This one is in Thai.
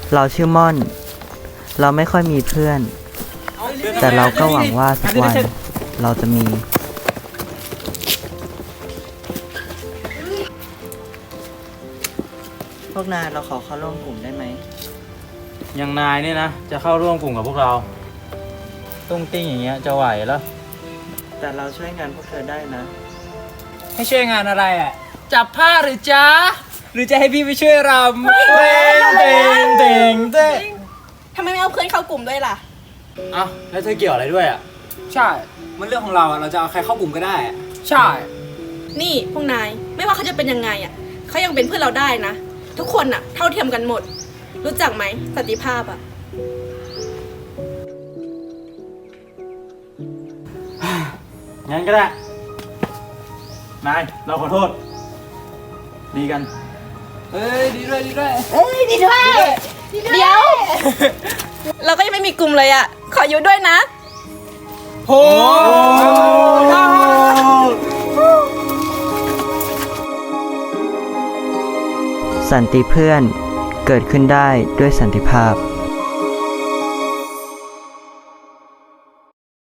เราชื่อม่อน เราไม่ค่อยมีเพื่อน แต่เราก็หวังว่าสักวันเราจะมี พวกนายเราขอเข้าร่วมกลุ่มได้ไหมอย่างนายเนี่ยนะจะเข้าร่วมกลุ่มกับพวกเราตุ้งติ้งอย่างเงี้ยจะไหวแล้วแต่เราช่วยงานพวกเธอได้นะให้ช่วยงานอะไรอ่ะ จับผ้าหรือจ๊ะ หรือจะให้พี่ไปช่วยรำเต่งทำไมไม่เอาเพื่อนเข้ากลุ่มด้วยล่ะเอ้าแล้วเธอเกี่ยวอะไรด้วยอ่ะใช่ มันเรื่องของเราอ่ะ เราจะเอาใครเข้ากลุ่มก็ได้อะใช่นี่พวกนายไม่ว่าเขาจะเป็นยังไงอ่ะเขายังเป็นเพื่อนเราได้นะ ทุกคนอ่ะเท่าเทียมกันหมด รู้จักไหมสันติภาพอ่ะงั้นก็ได้ นายเราขอโทษ ดีกันเอ้ยดีด้วยเดี๋ยว เราก็ยังไม่มีกลุ่มเลยอ่ะ ขออยู่ด้วยนะโหสันติเพื่อนเกิดขึ้นได้ด้วยสันติภาพ